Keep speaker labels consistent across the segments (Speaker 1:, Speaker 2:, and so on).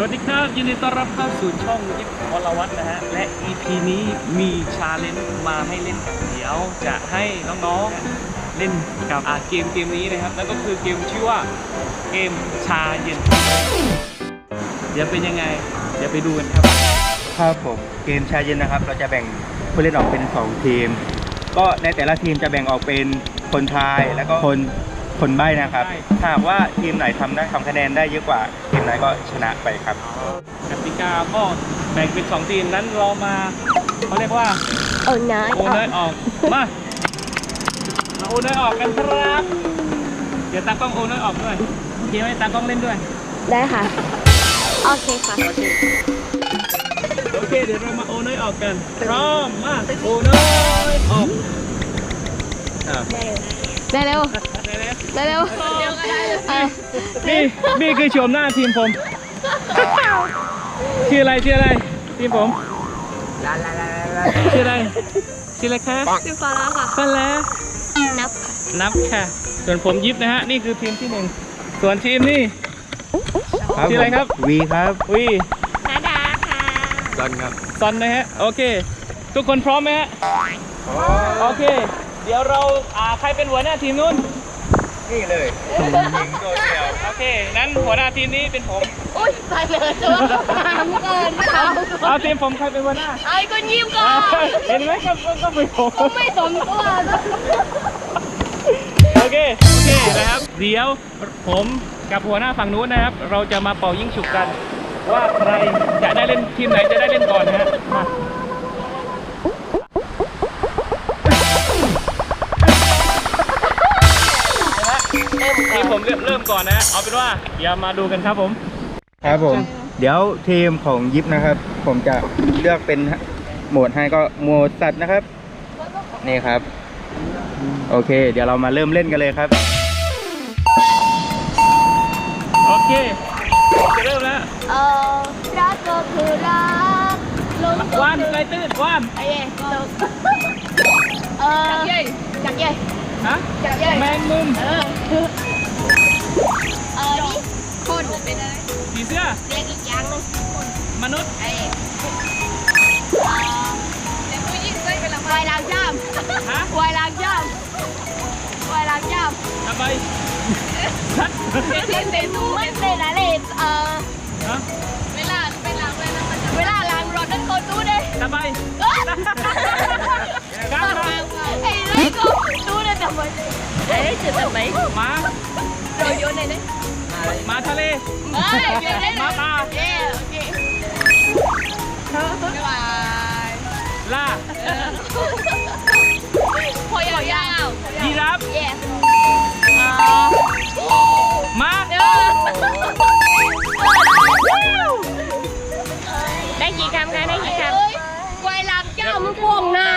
Speaker 1: วัสดีครับยินดีต้อนรับเข้าสู่ช่องยิปวรวัฒน์นะฮะและ EP นี้มีชาเลนจ์มาให้เล่นกันเดี๋ยวจะให้น้องๆเล่นกับเกมนี้นะครับนั่นก็คือเกมชื่อว่าเกมชาเย็นเดี๋ยวเป็นยังไงเดี๋ยวไปดูกันครับ
Speaker 2: ครับผมเกมชาเย็นนะครับเราจะแบ่งผู้เล่นออกเป็น2ทีมก็ในแต่ละทีมจะแบ่งออกเป็นคนทายแล้วก็คนใบ้นะครับถ้าหากว่าทีมไหนทำคะแนนได้เยอะกว่าทีมไหนก็ชนะไปครับ
Speaker 1: กติกาก็แบ่งเป็น2ทีมนั้นเรามาเขาเรียกว่า
Speaker 3: โอนเนย
Speaker 1: ออกมาโอนเนยออกกันครับเดี๋ยวตากล้องโอนเนยออกด้วยโอเคไหมตากล้องเล่นด้วย
Speaker 3: ได้ค่ะโอเคค่ะ
Speaker 1: โอเคเดี๋ยวเรามาโอนเนยออกกันพร้อมมาโอนเนยออก
Speaker 3: ได้เร็ว
Speaker 1: นี่คือชมหน้าทีมผมชื่ออะไรทีมผมชื่ออะไรคะ
Speaker 3: ชื่อฟ้าค่ะ
Speaker 1: ฟ้าแล้วนับค่ะส่วนผมยิบนะฮะนี่คือทีมที่1ส่วนทีมนี่ชื่ออะไรครับ
Speaker 2: วีครับ
Speaker 1: วี
Speaker 3: นาดาค่ะ
Speaker 2: ซอนครับ
Speaker 1: ซอนนะฮะโอเคทุกคนพร้อมไหมฮะโอเคเดี๋ยวเราใครเป็นหัวหน้าทีมนู้น
Speaker 2: นี่เลยยิงตัวเดียว
Speaker 1: โอเคนั้นหัวหน้าทีมนี้เป็นผม
Speaker 3: อุ้ยตายเลยตัวถามเกิน
Speaker 1: เอาทีมผมใครเป็นหัวหน้า
Speaker 3: ไอ้ก็ยิ้มก่อน
Speaker 1: เห็นไหมก็เป็นผม
Speaker 3: ไม่สมตัว
Speaker 1: โอเคนะครับเดี๋ยวผมกับหัวหน้าฝั่งนู้นนะครับเราจะมาเป่ายิงฉุกกันว่าใครจะได้เล่นทีมไหนจะได้เล่นก่อนนะฮะทีมผมเริ่มก่อนนะเอาเป็นว่าอย่ามาดูกันครับผม
Speaker 2: เดี๋ยวทีมของยิปนะครับผมจะเลือกเป็นโหมดให้ก็โหมดสัตว์นะครับนี่ครับโอเคเดี๋ยวเรามาเริ่มเล่นกันเลยครับ
Speaker 1: โอเคจะเริ่มแล้ว
Speaker 3: รักก็คือรัก
Speaker 1: ว่านไกลตื้นว่าน
Speaker 3: ไอ้จักเย่
Speaker 1: ฮะแมงมุม
Speaker 3: นี่คนเป็นอะไร
Speaker 1: ผีเสื้อ
Speaker 3: เรียกอีกอย่างนึง
Speaker 1: มนุษย์
Speaker 3: แต่ผู้หญิงเคยเป็นวายล้างจามวายล้างจาม
Speaker 1: ทำไม
Speaker 3: เป็นตู้ไม่เป็นอะไรเวลาล้างรถนั่นคนตู้เลย
Speaker 1: ทำไม
Speaker 3: ไอ้ไรก็ตู้เลยทำไมจุดทำไม
Speaker 1: ม้า
Speaker 3: โดยโยนเลย
Speaker 1: ม้าทะเลม้าป่าล่า
Speaker 3: พอยาว
Speaker 1: ยีราฟม้า
Speaker 3: ได้กี่คำคะได้กี่คำวายล้างเจ้ามันโค้งหน้า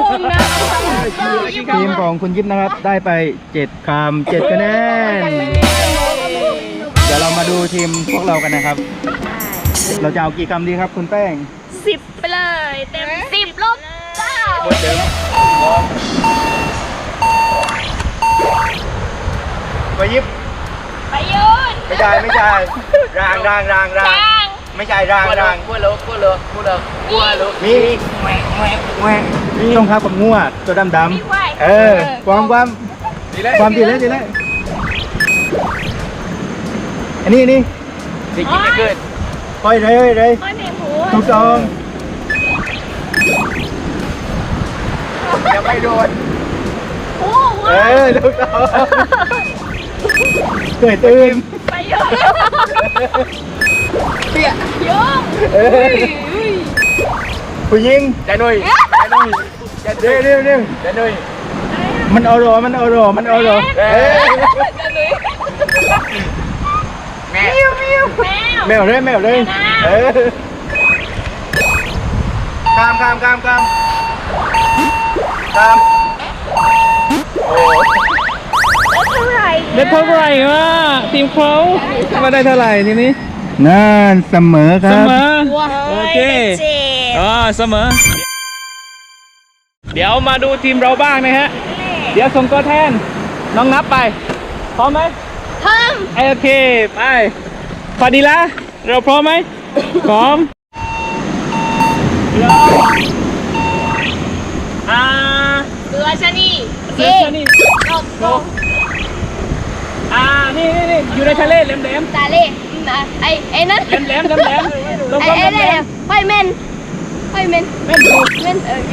Speaker 2: ทีมของคุณยิปนะครับได้ไป7 คำ 7 คะแนนเดี๋ยวเรามาดูทีมพวกเรากันนะครับเราจะเอากี่คำดีครับคุณแป้ง
Speaker 3: 10ไปเลยเต็ม10ลบ9
Speaker 2: หมดเดิมไปยิบ
Speaker 3: ไปยืน
Speaker 2: ไม่ใช่รางไม่ใช่รางกัวเลิกมีต้องครับกับงัวตัวดำความดีเลยอันนี้
Speaker 1: สิกินจะเกิด
Speaker 2: ปล่อยเลยถูกต้องยังไม่โดนถูกต้องเกิดตื่น
Speaker 3: ไปยืน
Speaker 2: เตี้ย
Speaker 3: ยืน
Speaker 2: ผู้หญิงใจหนุ่ยเร็วใจหนุ่ยมันเอารอแมวเลยข้ามโอ้
Speaker 1: ได้เท่าไหร่วะทีมเขามาได้เท่าไหร่ทีนี้
Speaker 2: นั่นเสมอครับ
Speaker 1: โอเคเสมอเดี๋ยวมาดูทีมเราบ้างนะฮะเดี๋ยวส่งตัวแทนน้องนับไปพร้อมไหม
Speaker 3: พร้อม
Speaker 1: โอเคไปฟาดิล่าเราพร้อมไหมพร้อมเริ่ม
Speaker 3: เกลือชะนี
Speaker 1: เสือนี่
Speaker 3: นก
Speaker 1: นกนี่อยู่ในทะเลแหลม
Speaker 3: ตาเล่ไอ้นั่น
Speaker 1: แหลมลง
Speaker 3: ไอ้
Speaker 1: แหล
Speaker 3: เนี่ย
Speaker 1: ม
Speaker 3: ไฟเมน
Speaker 1: แม่นถูก
Speaker 3: เมนโอเค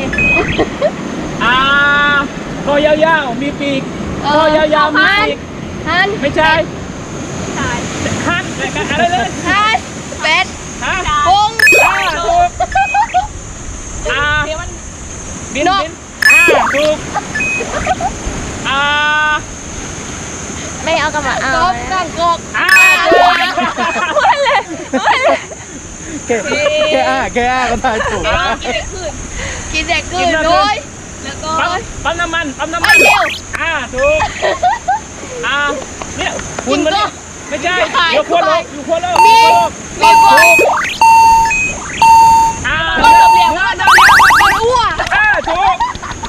Speaker 1: คอยาวๆมีปีกคอยาวๆมีปีก
Speaker 3: ฮัน
Speaker 1: ไม่ใช่ฮันอะไรเลย
Speaker 3: ฮันเป็ด
Speaker 1: ฮะ
Speaker 3: พง
Speaker 1: ถูกบินถูก
Speaker 3: ไม่เอากระบะเอากางกอก
Speaker 2: แค่ก็ทายถูก
Speaker 3: กินแต่คืนโดยแล้วก็
Speaker 1: ปั๊มน้ำมัน
Speaker 3: ไอ้เดียว
Speaker 1: ถูกเนี่ยคุณมันไม่ใช่อยู่ขั้วโลก
Speaker 3: มีบอลบอลเหลี่ยมว่าบอลอ้วน
Speaker 1: ถูก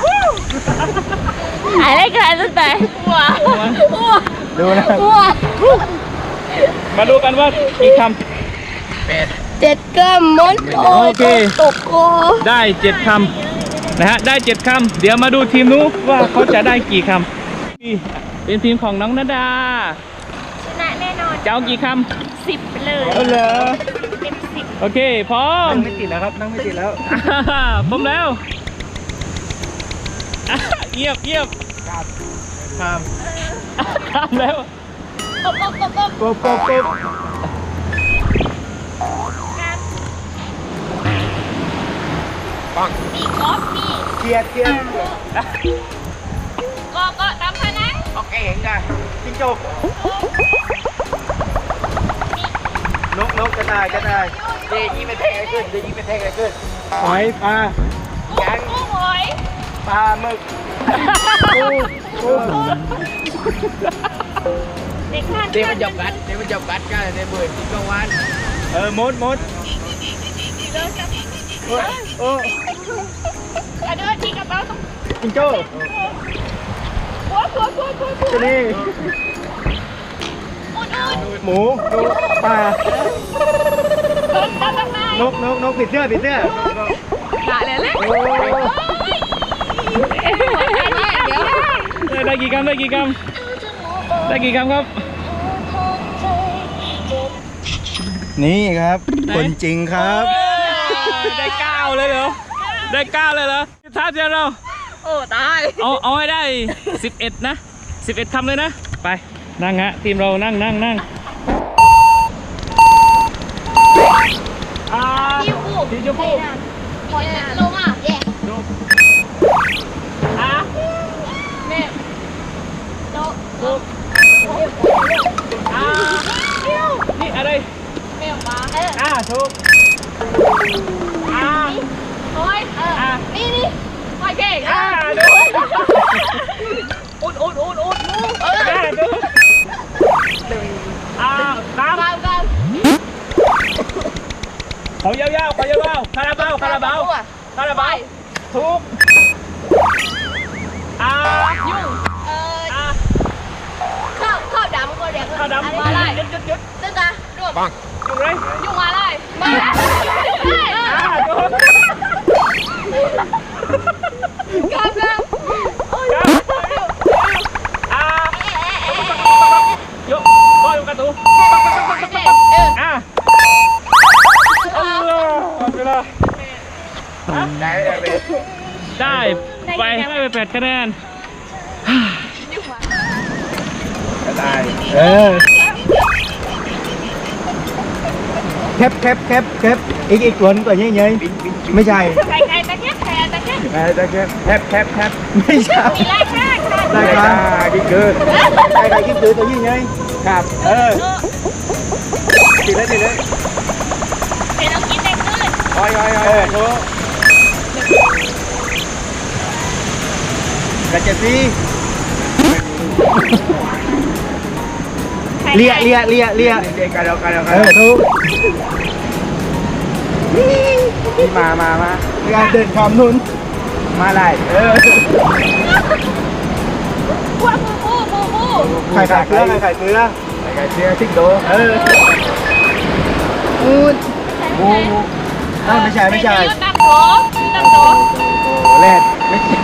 Speaker 3: อะไรกันตั้งแต่อ้วนอ้วน
Speaker 2: ดูนะ
Speaker 3: อ้วน
Speaker 1: มาดูกันว่ากี่คำ
Speaker 3: 7 กรัมมดตกคอ
Speaker 1: ได้7 คำนะฮะได้7 คำเดี๋ยวมาดูทีมนู้นว่าเขาจะได้กี่คำเป็นทีมของน้องณดา
Speaker 3: ชนะแน่นอน
Speaker 1: จะเอากี่คำ
Speaker 3: 10ไปเลย
Speaker 1: เหรอ
Speaker 3: เต็ม10
Speaker 1: โอเคพร้อม
Speaker 2: นั่งไม่ติดแล้วครับนั่งไม่ติดแล้ว
Speaker 1: พร้อมแล้วเยียบ
Speaker 2: ข้าม
Speaker 1: ข้ามแล้ว
Speaker 3: กบ
Speaker 2: กบ
Speaker 3: มีกอล์ฟมี
Speaker 2: เกียร์
Speaker 3: ก็ตามพนัง
Speaker 2: โอเคเห็นได้จิ้งจกนกก็ได้เดี๋ยวยิงไปแทงอะไรขึ้นหอยปลา
Speaker 3: กุ้งหอย
Speaker 2: ปลาหมึกปู
Speaker 3: เด็กข้าน
Speaker 2: เดี๋ยวมันจับกัดกันในเบื่อที่กลางวันมดโอ้
Speaker 3: กระโดดที่กระเป๋า
Speaker 2: จิงโจ้
Speaker 3: หัว
Speaker 2: จะนี่
Speaker 3: อุ่น
Speaker 2: หมูปลา
Speaker 3: ตามมาน
Speaker 2: กผิดเสื้อ
Speaker 3: ด่าเลย
Speaker 2: โอ้
Speaker 3: เดี๋ยว
Speaker 1: ได้กี่คำครับ
Speaker 2: นี่ครับคนจริงครับ
Speaker 1: ได้9เลยเหรอได้9เลยเหรอท้าเดียวเรา
Speaker 3: โอ้ตาย
Speaker 1: เอาให้ได้11นะ11 คำเลยนะไปนั่งฮะทีมเรานั่งทีชมพู
Speaker 3: ปล่อยลงอ่ะแย่แม่โต
Speaker 1: นี่อะไร
Speaker 3: แม่ปลา
Speaker 1: ถูก
Speaker 3: โอ้ยนี่ปล่อยเก่ง
Speaker 1: ดูอุ่นดูตามเขายาวคาราบาวถูก
Speaker 3: ยุ่งข้าวดำก็เรียก
Speaker 1: ข้าวดำ
Speaker 3: มาไล่
Speaker 1: ยึด
Speaker 3: ตึ้งอ่ะรวบ
Speaker 1: อยู่ไร
Speaker 3: ยุ่งมาไล่มากับ
Speaker 1: ยกบอลกระตูเวลาได้ไป8 คะแนน
Speaker 2: ได้แคปอีกตัวนึงตัวใหญ่ๆไม่ใช่
Speaker 3: ไก่ตะเกียบแ
Speaker 2: แคปไม่ใช่
Speaker 3: มีไล่ข้าง
Speaker 2: ได้ครับกินคือได้กินคือตัวใหญ่ครับติดเลย
Speaker 3: เป็นเรากินแต่ขึ้น
Speaker 2: โอ้ยโถกระเจี๊ยบเลียกันทุกมาการเดินความนุนมาไล่ไข่เกลือซิกโดอูดโอ้โหไม่ใช่ไม่ใช่
Speaker 3: ตั้งโต๊ะตั้งโต๊ะ
Speaker 2: แรดไม่ใช่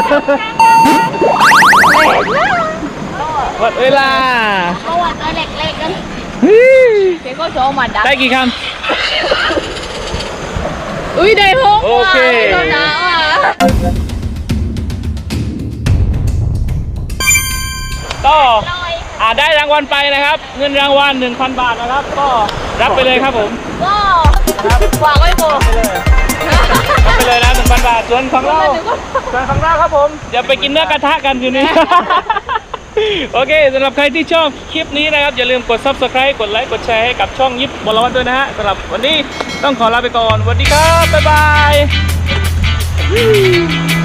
Speaker 1: หมดเวลา
Speaker 3: เพราะว่าตัวเล็กๆกันเจ๊ก็โชว์มาดัก
Speaker 1: ได้กี่ค
Speaker 3: อุ้ยได้หก
Speaker 1: โอเค
Speaker 3: โดนด่าว่ะ
Speaker 1: ำก็ได้รางวัลไปนะครับ เงินรางวัล 1,000 บาทนะครับ ก็รับไปเลยครับผม
Speaker 3: ก็วางไว้โบ
Speaker 1: รับไปเลยนะ 1,000 บาท ส่วนของเราครับผมเดี๋ยวไปกินเนื้อกระทะกันอยู่นี่ โอเคสำหรับใครที่ชอบคลิปนี้นะครับ อย่าลืมกด Subscribe กดไลค์ กดแชร์ให้กับช่องยิปบอลวัตด้วยนะฮะสำหรับวันนี้ต้องขอลาไปก่อนสวัสดีครับ บ๊ายบาย